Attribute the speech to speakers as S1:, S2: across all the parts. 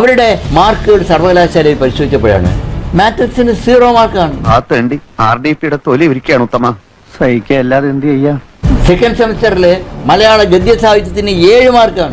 S1: അവരുടെ മാർക്കുകൾ സർവകലാശാലയിൽ പരിശോധിച്ചപ്പോഴാണ് മാത്തസിന് 0 മാർക്കാണ്.
S2: RDPയുടെ തൊലി ഇരിക്കുകയാണ് ഉത്തമ. സഹിക്കുക അല്ലാതെ എന്ത് ചെയ്യാ.
S1: സെക്കൻഡ് സെമിസ്റ്ററിൽ മലയാള ഗദ്യ സാഹിത്യത്തിന് 7 മാർക്കാണ്.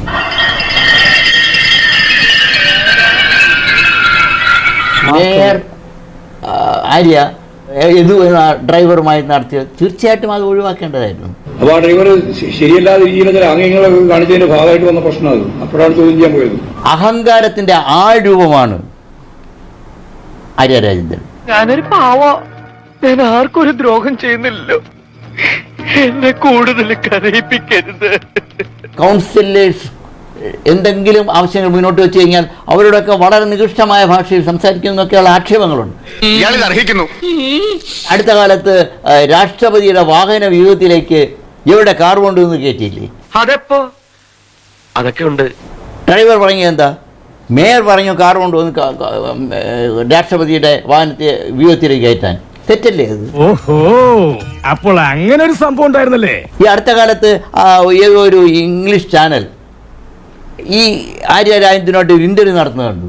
S1: മേയർ ആര്യ യദു എന്ന ഡ്രൈവറുമായി നടത്തിയത് തീർച്ചയായിട്ടും അത് ഒഴിവാക്കേണ്ടതായിരുന്നു.
S3: അപ്പോൾ ആ ഡ്രൈവർ ശരിയല്ലാത്ത രീതിയിൽ ആംഗ്യങ്ങൾ കാണിച്ചതിന്റെ ഭാഗമായിട്ട് വന്ന പ്രശ്നം അത് അപ്പോഴാണ് ചോദ്യം ചെയ്യാൻ പോയത്.
S1: അഹങ്കാരത്തിന്റെ രൂപമാണ് ആര്യ രാജേന്ദ്രൻ.
S4: ഞാനൊരു ഞാൻ ആർക്കും ഒരു ദ്രോഹം ചെയ്യുന്നില്ലല്ലോ, എന്നെ കൂടുതൽ കരയിപ്പിക്കരുത്.
S1: കൗൺസിലേഴ്സ് എന്തെങ്കിലും ആവശ്യങ്ങൾ മുന്നോട്ട് വെച്ച് കഴിഞ്ഞാൽ അവരോടൊക്കെ വളരെ നികൃഷ്ടമായ ഭാഷയിൽ സംസാരിക്കുന്നൊക്കെയുള്ള ആക്ഷേപങ്ങളുണ്ട്. അടുത്ത കാലത്ത് രാഷ്ട്രപതിയുടെ വാഹന വ്യൂഹത്തിലേക്ക് ഇവരുടെ കാർ കൊണ്ടുവന്ന് കയറ്റിയില്ലേ?
S4: അതെപ്പോ അതൊക്കെ ഉണ്ട്.
S1: ഡ്രൈവർ പറഞ്ഞത് എന്താ? മേയർ പറഞ്ഞു കാർ കൊണ്ടുവന്ന് രാഷ്ട്രപതിയുടെ വാഹനത്തെ വ്യൂഹത്തിലേക്ക് കയറ്റാൻ. തെറ്റല്ലേ അത്?
S5: ഓഹോ, അപ്പോൾ അങ്ങനെ ഒരു സംഭവം ഉണ്ടായിരുന്നല്ലേ?
S1: ഈ അടുത്ത കാലത്ത് ഏതോ ഒരു ഇംഗ്ലീഷ് ചാനൽ ഈ ആര്യ രാജേന്ദ്രനോട്ട് ഒരു ഇന്റർവ്യൂ നടത്തുന്നത് കണ്ടു.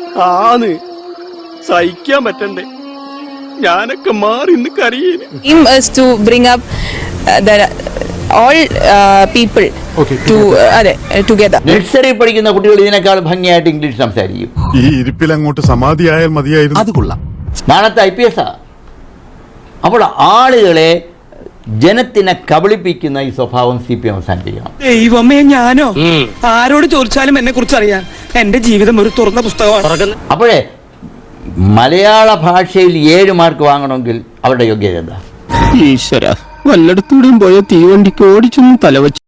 S4: സഹിക്കാൻ പറ്റണ്ടേ, ഞാനൊക്കെ മാറി കരയേന്.
S6: To bring up all people together.
S1: Nursery പഠിക്കുന്ന കുട്ടികൾ ഇതിനേക്കാൾ ഭംഗിയായിട്ട് ഇംഗ്ലീഷ് സംസാരിക്കും.
S7: ഈ ഇരിപ്പിൽ അങ്ങോട്ട് സമാധിയായാൽ മതിയായിരുന്നു. അത് കൊള്ളാം.
S1: നാളത്തെ IPS. അപ്പോൾ ആളുകളെ ജനത്തിനെ കബളിപ്പിക്കുന്ന ഈ സ്വഭാവം CPM അവസാനിപ്പിക്കണം.
S4: ദൈവമേ, ഞാനോ ആരോട് ചോദിച്ചാലും എന്നെ കുറിച്ച് അറിയാൻ എന്റെ ജീവിതം ഒരു തുറന്ന പുസ്തകമാണ്.
S1: അപ്പോഴേ മലയാള ഭാഷയിൽ 7 മാർക്ക് വാങ്ങണമെങ്കിൽ അവരുടെ യോഗ്യത എന്താ?
S8: ഈശ്വര, വല്ലയിടത്തൂടെയും പോയ തീവണ്ടിക്ക് ഓടിച്ചൊന്നും തലവച്ചു.